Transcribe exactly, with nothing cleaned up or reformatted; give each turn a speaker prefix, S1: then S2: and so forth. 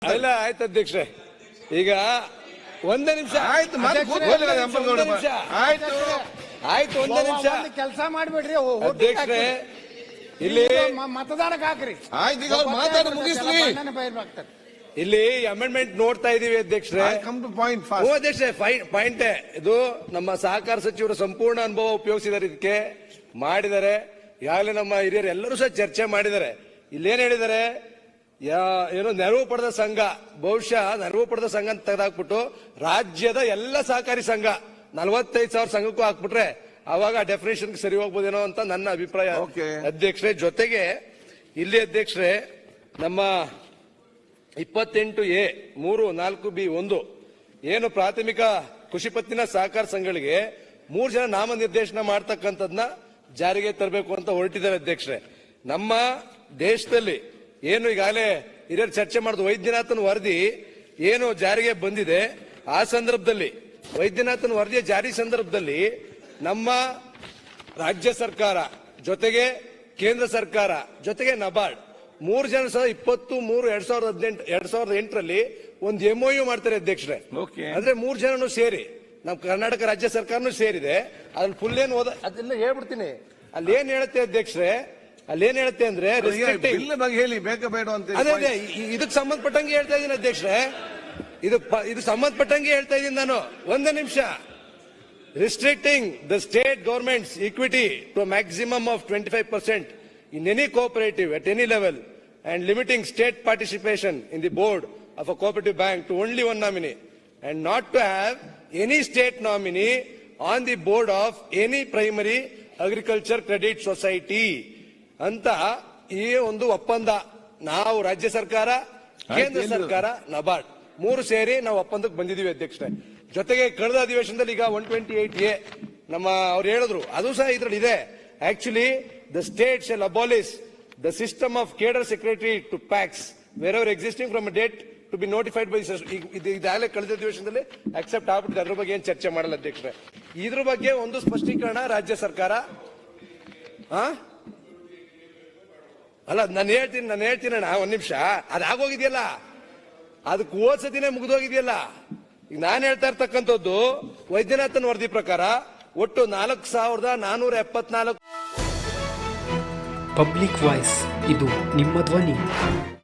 S1: ಅಲ್ಲ ಆಯ್ತು ಅಧ್ಯಕ್ಷೆ, ಈಗ ಒಂದೇ ನಿಮಿಷ
S2: ಆಯ್ತು ಆಯ್ತು
S1: ಆಯ್ತು ಒಂದೇ ನಿಮಿಷ
S3: ಕೆಲಸ ಮಾಡ್ಬೇಡ್ರಿ
S1: ಅಧ್ಯಕ್ಷೆ. ಇಲ್ಲಿ
S3: ಮತದಾನಕ್ಕೆ ಹಾಕ್ರಿ.
S2: ಆಯ್ತು, ಈಗ ಅವ್ರು ಮಾತಾಡಿ ಮುಗಿಸ್ಲಿ.
S1: ಇಲ್ಲಿ ಅಮೆಂಡ್ಮೆಂಟ್ ನೋಡ್ತಾ ಇದೀವಿ ಅಧ್ಯಕ್ಷರೇ.
S2: ಪಾಯಿಂಟ್
S1: ಅಧ್ಯಕ್ಷೆ ಪಾಯಿಂಟ್ ಇದು ನಮ್ಮ ಸಹಕಾರ ಸಚಿವರು ಸಂಪೂರ್ಣ ಅನುಭವ ಉಪಯೋಗಿಸಿದ್ದಾರೆ, ಇದಕ್ಕೆ ಮಾಡಿದ್ದಾರೆ. ಈಗಾಗಲೇ ನಮ್ಮ ಹಿರಿಯರು ಎಲ್ಲರೂ ಸಹ ಚರ್ಚೆ ಮಾಡಿದ್ದಾರೆ. ಇಲ್ಲೇನ್ ಹೇಳಿದ್ದಾರೆ, ಏನೋ ನೆರವು ಪಡೆದ ಸಂಘ, ಬಹುಶಃ ನೆರವು ಪಡೆದ ಸಂಘ ಅಂತ ತೆಗೆದಾಕ್ಬಿಟ್ಟು ರಾಜ್ಯದ ಎಲ್ಲ ಸಹಕಾರಿ ಸಂಘ ನಲವತ್ತೈದು ಸಾವಿರ ಸಂಘಕ್ಕೂ ಹಾಕ್ಬಿಟ್ರೆ ಅವಾಗ ಡೆಫಿನೇಷನ್ ಸರಿ ಹೋಗ್ಬೋದೇನೋ ಅಂತ ನನ್ನ ಅಭಿಪ್ರಾಯ ಅಧ್ಯಕ್ಷರೇ. ಜೊತೆಗೆ ಇಲ್ಲಿ ಅಧ್ಯಕ್ಷರೇ, ನಮ್ಮ ಇಪ್ಪತ್ತೆಂಟು ಎ ಮೂರು ನಾಲ್ಕು ಬಿ ಒಂದು ಏನು ಪ್ರಾಥಮಿಕ ಕೃಷಿ ಪತ್ತಿನ ಸಹಕಾರ ಸಂಘಗಳಿಗೆ ಮೂರು ಜನ ನಾಮನಿರ್ದೇಶನ ಮಾಡ್ತಕ್ಕಂಥದ್ನ ಜಾರಿಗೆ ತರಬೇಕು ಅಂತ ಹೊರಟಿದ್ದಾರೆ ಅಧ್ಯಕ್ಷರೇ. ನಮ್ಮ ದೇಶದಲ್ಲಿ ಏನು ಈಗಾಗಲೇ ಹಿರಿಯರು ಚರ್ಚೆ ಮಾಡಿದ ವೈದ್ಯನಾಥನ್ ವರದಿ ಏನು ಜಾರಿಗೆ ಬಂದಿದೆ, ಆ ಸಂದರ್ಭದಲ್ಲಿ ವೈದ್ಯನಾಥನ್ ವರದಿಯ ಜಾರಿ ಸಂದರ್ಭದಲ್ಲಿ ನಮ್ಮ ರಾಜ್ಯ ಸರ್ಕಾರ ಜೊತೆಗೆ ಕೇಂದ್ರ ಸರ್ಕಾರ ಜೊತೆಗೆ ನಬಾರ್ಡ್ ಮೂರು ಜನ ಸಹ ಇಪ್ಪತ್ತು ಮೂರು ಎರಡ್ ಸಾವಿರದ ಹದಿನೆಂಟು ಎರಡ್ ಸಾವಿರದ ಎಂಟರಲ್ಲಿ ಒಂದು ಎಂಒಯು ಮಾಡ್ತಾರೆ ಅಧ್ಯಕ್ಷರೇ. ಅಂದ್ರೆ ಮೂರು ಜನನು ಸೇರಿ ನಮ್ಮ ಕರ್ನಾಟಕ ರಾಜ್ಯ ಸರ್ಕಾರನೂ ಸೇರಿದೆ. ಅದ್ರಲ್ಲಿ ಫುಲ್ ಏನ್ ಓದ ಅದನ್ನ ಹೇಳ್ಬಿಡ್ತೀನಿ. ಅಲ್ಲಿ ಏನ್ ಹೇಳುತ್ತೆ ಅಧ್ಯಕ್ಷರೇ, ಅಲ್ಲಿ ಏನ್ ಹೇಳುತ್ತೆ ಅಂದ್ರೆ
S2: ಹೇಳಿ ಬೇಕ ಬೇಡ ಅಂತ.
S1: ಅದೇ ಅದೇ ಇದಕ್ಕೆ ಸಂಬಂಧಪಟ್ಟಂಗೆ ಹೇಳ್ತಾ ಇದ್ದೀನಿ ಅಧ್ಯಕ್ಷರೇ, ಇದು ಇದು ಸಂಬಂಧಪಟ್ಟಂಗೆ ಹೇಳ್ತಾ ಇದ್ದೀನಿ ನಾನು. ಒಂದೇ ನಿಮಿಷ. Restricting the state government's equity to maximum of twenty five percent in any cooperative at any level and limiting state participation in the board of a cooperative bank to only one nominee and not to have any state nominee on the board of any primary agriculture credit society ಅಂತ ಈ ಒಂದು ಒಪ್ಪಂದ ನಾವು ರಾಜ್ಯ ಸರ್ಕಾರ, ಕೇಂದ್ರ ಸರ್ಕಾರ, ನಬಾರ್ಡ್ ಮೂರು ಸೇರಿ ನಾವು ಒಪ್ಪಂದಕ್ಕೆ ಬಂದಿದ್ದೀವಿ ಅಧ್ಯಕ್ಷರೇ. ಜೊತೆಗೆ ಕಳೆದ ಅಧಿವೇಶನದಲ್ಲಿ ಈಗ ಒನ್ ಟ್ವೆಂಟಿ ಏಟ್ ಎ ನಮ್ಮ ಅವ್ರು ಹೇಳಿದ್ರು, ಅದು ಸಹ ಇದರಲ್ಲಿ ಇದೆ. Actually the state shall abolish the system of cadre secretary to PACs wherever existing from a date to be notified by ಇದಾಗಲೇ ಕಳೆದ ಅಧಿವೇಶನದಲ್ಲಿ ಅಕ್ಸೆಪ್ಟ್ ಆಗ್ಬಿಟ್ಟಿದೆ. ಅದ್ರ ಬಗ್ಗೆ ಏನ್ ಚರ್ಚೆ ಮಾಡಲ್ಲ ಅಧ್ಯಕ್ಷರೇ. ಇದ್ರ ಬಗ್ಗೆ ಒಂದು ಸ್ಪಷ್ಟೀಕರಣ ರಾಜ್ಯ ಸರ್ಕಾರ. ಅಲ್ಲ ನಾನು ಹೇಳ್ತೀನಿ ನಾನು ಹೇಳ್ತೀನಿ ಅಣ್ಣ, ಒಂದ್ ನಿಮಿಷ. ಅದಾಗೋಗಿದೆಯಲ್ಲ, ಅದಕ್ಕೆ ಓದ್ಸತಿನೇ ಮುಗಿದೋಗಿದೆಯಲ್ಲ. ಈಗ ನಾನು ಹೇಳ್ತಾ ಇರ್ತಕ್ಕಂಥದ್ದು ವೈದ್ಯನಾಥನ್ ವರದಿ ಪ್ರಕಾರ ಒಟ್ಟು ನಾಲ್ಕು ಸಾವಿರದ ನಾನೂರ ಎಪ್ಪತ್ನಾಲ್ಕು
S4: ಪಬ್ಲಿಕ್ ವಾಯ್ಸ್, ಇದು ನಿಮ್ಮ ಧ್ವನಿ.